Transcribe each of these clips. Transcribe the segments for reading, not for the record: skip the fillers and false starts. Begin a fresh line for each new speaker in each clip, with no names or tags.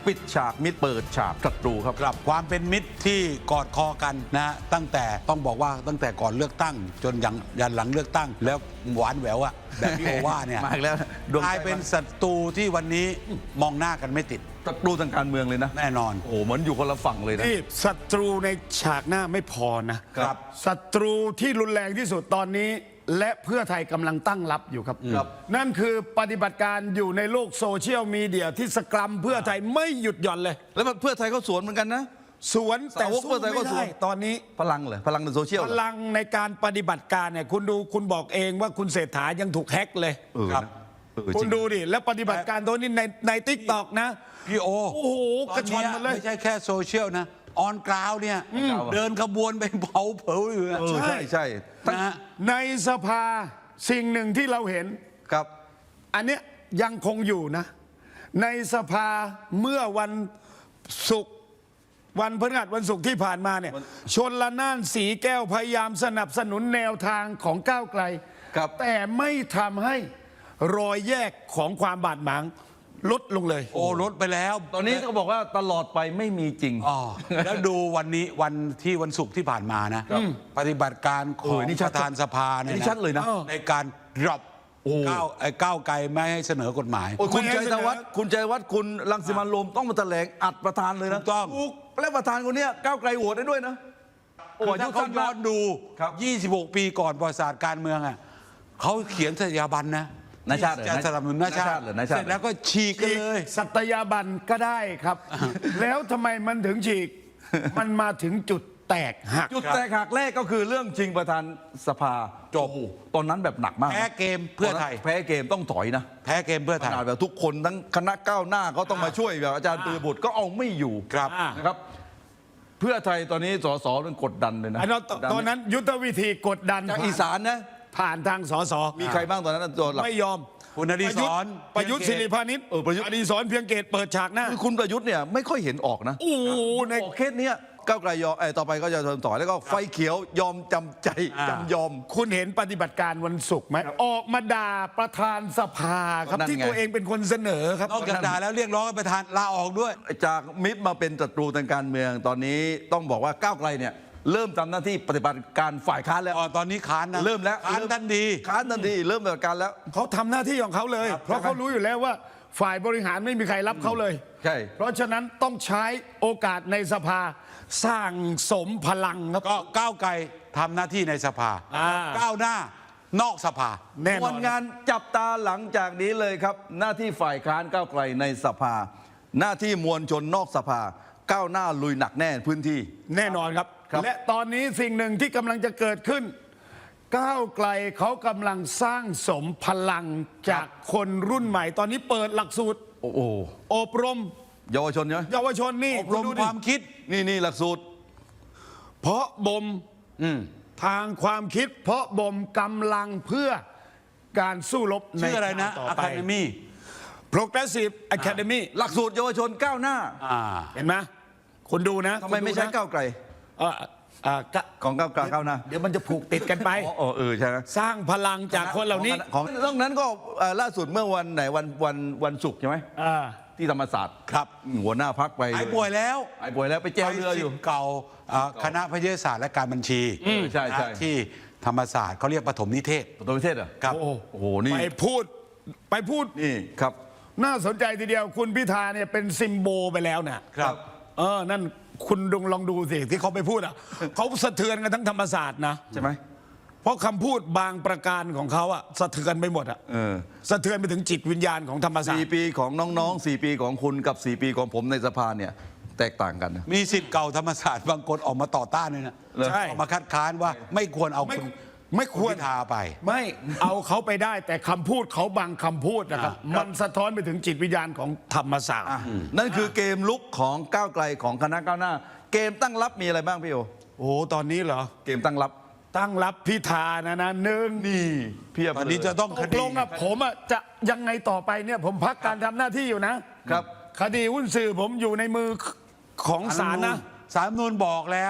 ปิดฉากมิตรเปิดฉากศัตรูครับ
ครับความเป็นมิตรที่กอดคอกันนะตั้งแต่ต้องบอกว่าตั้งแต่ก่อนเลือกตั้ง จนยันหลังเลือกตั้ง แล้วหวานแหววอะแบบพี่โอว่าเนี่ย
มาอีกแล้วดวงใจ
กลายเป็นศัตรูที่วันนี้มองหน้ากันไม่ติด
ศัตรูทางการเมืองเลยนะ
แน่นอน
โอ้โหเหมือนอยู่คนละฝั่งเลยนะ
นี่ศัตรูในฉากหน้าไม่พอนะครับ ศัตรูที่รุนแรงที่สุดตอนนี้ และเพื่อไทยกำลังตั้งรับอยู่ครับ
ครับ
นั่นคือปฏิบัติการอยู่ในโลกโซเชียลมีเดียที่สกรัมเพื่อไทยไม่หยุดหย่อนเลย
แล้วเพื่อไทยเขาสวนเหมือนกันนะ
สวนแต่
สาวก
สู้
เพื่อไทยก็
ไม่
สว
ได้
น
ตอนนี้
พลังเหรอพลังในโซเชียล
พ
เหรอ
ลังในการปฏิบัติการเนี่ยคุณดูคุณบอกเองว่าคุณเศรษฐายังถูกแฮ็กเลย
ครับ
คุ
จริ
ณ
ง
ดูดิแล้วปฏิบัติการตัวนี้ในติ๊กตอกนะ
พี่โอ
โอ้โหกระชอน
ต
หมดเลย
ไม่ใช่แค่โซเชียลนะออนกราวเนี่ยเดินขบวนไปเผาอยู่นะ
ใช่ใช่
นะฮะ
ในสภาสิ่งหนึ่งที่เราเห็น
ครับ
อันเนี้ยยังคงอยู่นะ ในสภาเมื่อวันศุกร์วันพฤหัสวันศุกร์ที่ผ่านมาเนี่ยชนละนานสีแก้วพยายามสนับสนุนแนวทางของก้าวไกล
ครับ
แต่ไม่ทำให้รอยแยกของความบาดหมางลดลงเลย
โอ้ลดไปแล้ว
ตอนนี้ก็บอกว่าตลอดไปไม่มีจริง
อ๋อแล้วดูวันนี้วันศุกร์ที่ผ่านมานะปฏิบัติการข
เอ
อง
อนี่
ป
ชัด
ระธานสภาเนี่ย
นี่ชัดเลยนะ
ในการดรอป
โอ้
ก้าวไกลไม่ให้เสนอกฎหมาย
โอ้ยคุณ
ไม่ให้
ชัยธวัฒน์คุณชัยธวัฒน์คุณรังสิมันต์โรมต้องมาแถลงอัดประธานเลยนะ
ถูกต้อง
และประธานคนเนี้ยก้าวไกลโหวตได้ด้วยนะโอ้
คือ
อายุ
ถ้าเขา
สั้น
ย้
มา
อก นดู
ครับ
26 ปีก่อนประวัติศาสตร์การเมืองอ่ะเขาเขียนสัญญาบันนะ
นายชาติเหรอ
จะสนับสนุนนายชาติ
เหรอนายชาติ
เสร็จแล้วก็ฉีกกันเลย
สัตยาบันก็ได้ครับ แล้วทำไมมันถึงฉีก มันมาถึงจุดแตกหัก
จุดแตกหักแรกก็คือเรื่องชิงประธานสภา
จบ
โอ้โหตอนนั้นแบบหนักมากนะ
แพ้เกมเพื่อไทย
แพ้เกมต้องถอยนะ
แพ้เกมเพื่อ
ข
ไทย
นาดแบบทุกคนทั้งคณะก้าวหน้าก็ต้องมาช่วยแบบอาจารย์ปริยบุตรก็เอาไม่อยู่
ครับ
นะครับ เพื่อไทยตอนนี้สสมันกดดันเลยนะ
อันนั้นตอนนั้นยุทธวิธีกดดัน
จากอีสานนะ
ผ่านทางสส
มีใครบ้างตอนนั้นตัวหลัก
ไม่ยอม
คุณอดิศร
ประยุทธ์ศิริพานิช
ประยุทธ์
อดิศรเพียงเกตเปิดฉากหน้า
คือคุณประยุทธ์เนี่ยไม่ค่อยเห็นออกนะ
โอ้โหใน
ออกเคสเนี้ยก้าวไกลยอมต่อไปก็จะทนต่อแล้วก็ไฟเขียวยอมจำใจจำยอม
คุณเห็นปฏิบัติการวันศุกร์ไหมออกมาด่าประธานสภาครับ
นั่นไง
ที่ตัวเองเป็นคนเสนอครับ
นอกจากด่าแล้วเรียกร้องให้ประธานลาออกด้วย
จากมิตรมาเป็นศัตรูทางการเมืองตอนนี้ต้องบอกว่าก้าวไกลเนี่ยเริ่มทำหน้าที่ปฏิบัติการฝ่ายค้านแล้ว
ตอนนี้ค้านนะ
เริ่มแล้ว
ค้านทันที
ค้านทันทีเริ่มปฏิบัติการแล้ว
เขาทำหน้าที่ของเขาเลย เพราะเขารู้อยู่แล้วว่าฝ่ายบริหารไม่มีใครรับเขาเลย
ใช่
เพราะฉะนั้นต้องใช้โอกาสในสภาสร้างสมพลังครับ
ก็ก้าวไกลทำหน้าที่ในสภา ก้าวหน้านอกสภา
แน่น
วั
อน
นงานจับตาหลังจากนี้เลยครับ หน้าที่ฝ่ายค้านก้าวไกลในสภา หน้าที่มวลชนนอกสภา ก้าวหน้าลุยหนักแน่พื้นที่
แน่นอนครับ
ครับ
และตอนนี้สิ่งหนึ่งที่กำลังจะเกิดขึ้น ก้าวไกลเขากำลังสร้างสมพลังจากคนรุ่นใหม่ ตอนนี้เปิดหลักสูตร
โอ้โห
อบรม
เยาวชนใช่ไหม
เยาวชนนี่
อบรม
ณดูดิ
ความคิด
นี่หลักสูตร
เพราะบ่มทางความคิด เพราะบ่มกำลังเพื่อการสู้รบใน
ชื่ออะไรนะ
ต่อ
อะ
ไป
คาเดมี่
Progressive Academy
หลักสูตรเยาวชนก้าวหน้า
เห็นไหมคุณดูนะ
ทำไมไม่ใช่
คุณดูนะ
ก้าวไกล
เอ่อเอ่อก็
ของก้าวไกลก้าวหน้า
เดี๋ยวมันจะผูกติดกันไป
อ๋อใช่ไหม
สร้างพลังจากคนเหล่านี้
ของนอกนั้นก็ล่าสุดเมื่อวันไหนวันศุกร์ใช่ไหม
อ่า
ที่ธรรมศาสตร์
ครับ
หัวหน้าพักไป
หายป่วยแล้ว
หายป่วยแล้วไปแจวเรืออยู่
ไปศิษย์เก่าคณะพยาศาสตร์และการบัญชี
ใช่
นะที่ธรรมศาสตร์เขาเรียกปฐมนิเทศ
ตัวประเทศเหรอ
ครับ
โอ้
โอ้โหนี่
ไปพูด
นี่ครับ
น่าสนใจทีเดียวคุณพิธาเนี่ยเป็นซิมโบลไปแล้วเนี่ย
ครับ
นั่นคุณลองดูสิที่เขาไปพูดอ่ะ เขาสะเทือนกันทั้งธรรมศาสตร์นะ
ใช่ไหม
เพราะคำพูดบางประการของเขาอ่ะสะเทือนไปหมดอ่ะ
เออ
สะเทือนไปถึงจิตวิญญาณของธรรมศาสต
4
ร์
ปีของน้องๆ4 ปีของคุณกับ 4 ปีของผมในสภาเนี่ยแตกต่างกันนะ
มีสิทธิ์เก่าธรรมศาสตร์บางคนออกมาต่อต้านเลยนะ
ใช่
ออกมาคัดค้านว่าไม่ควรเอาคุณ
ไม่ควร
ณพิธาไป
ไม่เอาเขาไปได้แต่คำพูดเขาบางคำพูดนะครับ มันสะท้อนไปถึงจิตวิญญาณของธรรมศาสตร์
นั่นคือเกมลุกของก้าวไกลของคณะก้าวหน้า เกมตั้งรับมีอะไรบ้างพี่โอ
โอ้ตอนนี้เหรอ
เกมตั้งรับ
ตั้งรับพิธานะหนึ่ง
นี่เพียบ
ตอนนี้จะต้อง
ต
ค
ก
ดี
ลงอ่ะผมอ่ะจะยังไงต่อไปเนี่ยผมพักการทำหน้าที่อยู่นะ
ครับ
คดีหุ้นสื่อผมอยู่ในมือของศาลนะ
สารรัฐธรรมนูญบอกแล้ว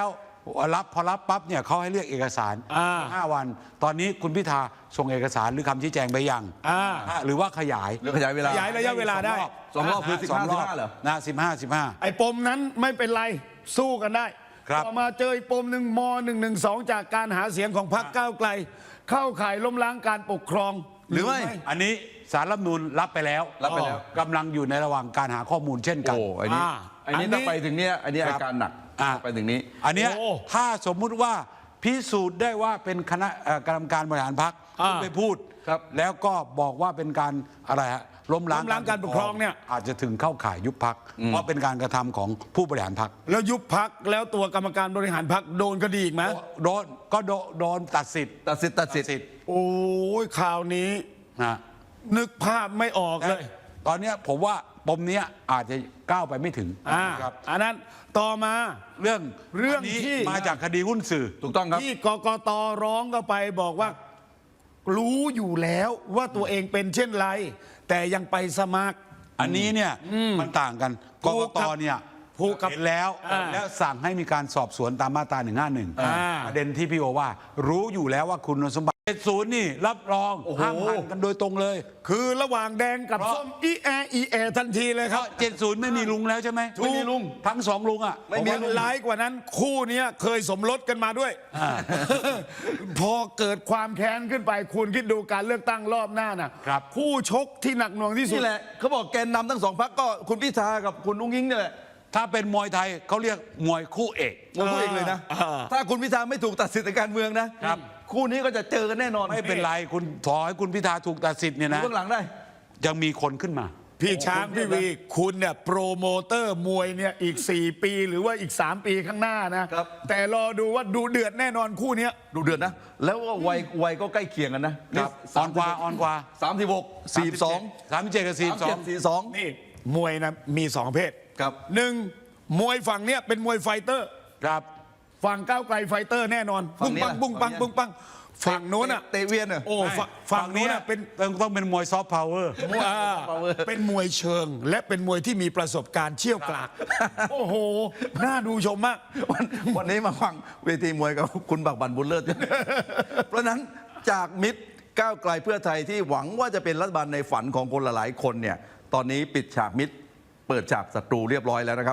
พอรับปั๊บเนี่ยเขาให้เรียกเอกสาร 5 วัน ตอนนี้คุณพิธาส่งเอกสารหรือคำชี้แจงไปยังหรือว่าขยาย
หรือขยายเวลา
ขยายระยะเวลาได้
สองรอบคือ
สองรอบ
15 เหรอ
นะ15
ไอ้ปมนั้นไม่เป็นไรสู้กันได้
ครับ
ต่อมาเจออีกปมหนึ่งม.112 จากการหาเสียงของพรรคก้าวไกล เข้าข่ายล้มล้างการปกครอง
หรือไม่
อันนี้สารรัฐธรรมนูญรับไปแล้ว
รับไปแล้ว
กำลังอยู่ในระหว่างการหาข้อมูลเช่นกัน
โอ้อันนี้
อันนี้
ถ้าไปถึงเนี้ยอันนี้
ครั
อา
บ
การหนัก
อ่า
ไปถึงนี้
อันเนี้ย
โอ้
ถ้าสมมุติว่าพิสูจน์ได้ว่าเป็นคณะกรรมการบริหารพรรคไปพูด
ครับ
แล้วก็บอกว่าเป็นการอะไรฮะล้มล้าง
ล้มล้างการปกครองเนี่ย
อาจจะถึงเข้าข่ายยุบพรรคเพราะเป็นการกระทำของผู้บริหารพรรค
แล้วยุบพักแล้วตัวกรรมการบริหารพักโดนคดีอีกไหม
โดนตัดสิทธิ์
ตัดสิทธิ์
โอ้ยข่าวนี้
นะ
นึกภาพไม่ออกเลย
ตอนเนี้ยผมว่าปมเนี้ยอาจจะก้าวไปไม่ถึง ครับ
อันนั้นต่อมา
เรื่อง
อัน
นี้
ที่
มาจากคดีหุ้นสื่อ
ถูกต้องครับ
ที่กกตร้องก็ไปบอกว่า รู้อยู่แล้วว่าตัวเองเป็นเช่นไร แต่ยังไปสมัคร
อันนี้เนี่ยมันต่างกันก
ถู
ก
ก
ต
ครับ
เนี่ย
ถูกครับ
เห็นแล้ว แล้วสั่งให้มีการสอบสวนตามมาตรา 151 ประเด็นที่พี่โอว่า รู้อยู่แล้วว่าคุณสมบัติ70นี่รับรอง
โอ้โห
ห้ามหันกันโดยตรงเลย
คือระหว่างแดงกับ
เพราะ
ส้มอีแอทันทีเลย
เพ
ครับ
ราะ70ไม่มีลุงแล้วใช่ไหม
ไม่มีลุง
ทั้งสองลุงอ่ะ
ไม่มี
วันร้ายกว่านั้นคู่เนี้ยเคยสมรสกันมาด้วย พอเกิดความแค้นขึ้นไปคุณคิดดูการเลือกตั้งรอบหน้าน่ะ
ครับ
คู่ชกที่หนักหน่วงที่สุด
นี่แหละเขาบอกแกนนำทั้งสองพรรคก็คุณพิธากับคุณอุ้งอิงเนี่ยแหละ
ถ้าเป็นมวยไทยเขาเรียกมวยคู่เอก
งงเองเลยนะ ถ้าคุณพิธาไม่ถูกตัดสิทธิ์ในการเมืองนะครับ คู่นี้ก็จะเจอกันแน่นอน
ไม่เป็นไรคุณขอให้คุณพิธาถูกตัดสิทธิ์เนี่ย
ดู
นะ
เบื้องหลังได้
ยังมีคนขึ้นมา
พี่ช้างพี่วีคุณเนี่ยโปรโมเตอร์มวยเนี่ยอีก 4 ปีหรือว่าอีก 3 ปีข้างหน้านะครับ แต่รอดูว่าดูเดือดแน่นอนคู่เนี้ย
ดูเดือดนะ แล้วก็วัยก็ใกล้เคียงกันนะครับ
อ่อนกว่า
36 42
37กับ42
42
นี่มวยนะมีสองประเภท
ครับ
หนึ่งมวยฝั่งเนี้ยเป็นมวยไฟเตอร์
ครับ
ฝั่งก้าวไกลไฟเตอร์แน่นอน
ฝั่
ปุ้
ง
ง
นี้
ปัง
นะ
ปุ้งปัง
ฝั่งนี้
ปุ้งปังฝั่งโน้นอ่ะ
เตะเวียนเหรอ
โอ้ฝั่งโน้นอ่ะเป็น
ต้องเป็นมวยซอฟต์พาวเวอร์
เป็นมวยเชิง และเป็นมวยที่มีประสบการณ์เชี่ยวกรากโอ้โหน่าดูชมมาก
วันนี้มาฟังเวทีมวยกับคุณบักบันบุญเลิศ เพราะฉะนั้นจากมิตรก้าวไกลเพื่อไทยที่หวังว่าจะเป็นรัฐบาลในฝันของคนหลายๆคนเนี่ยตอนนี้ปิดฉากมิตรเปิดฉากศัตรูเรียบร้อยแล้วนะครับ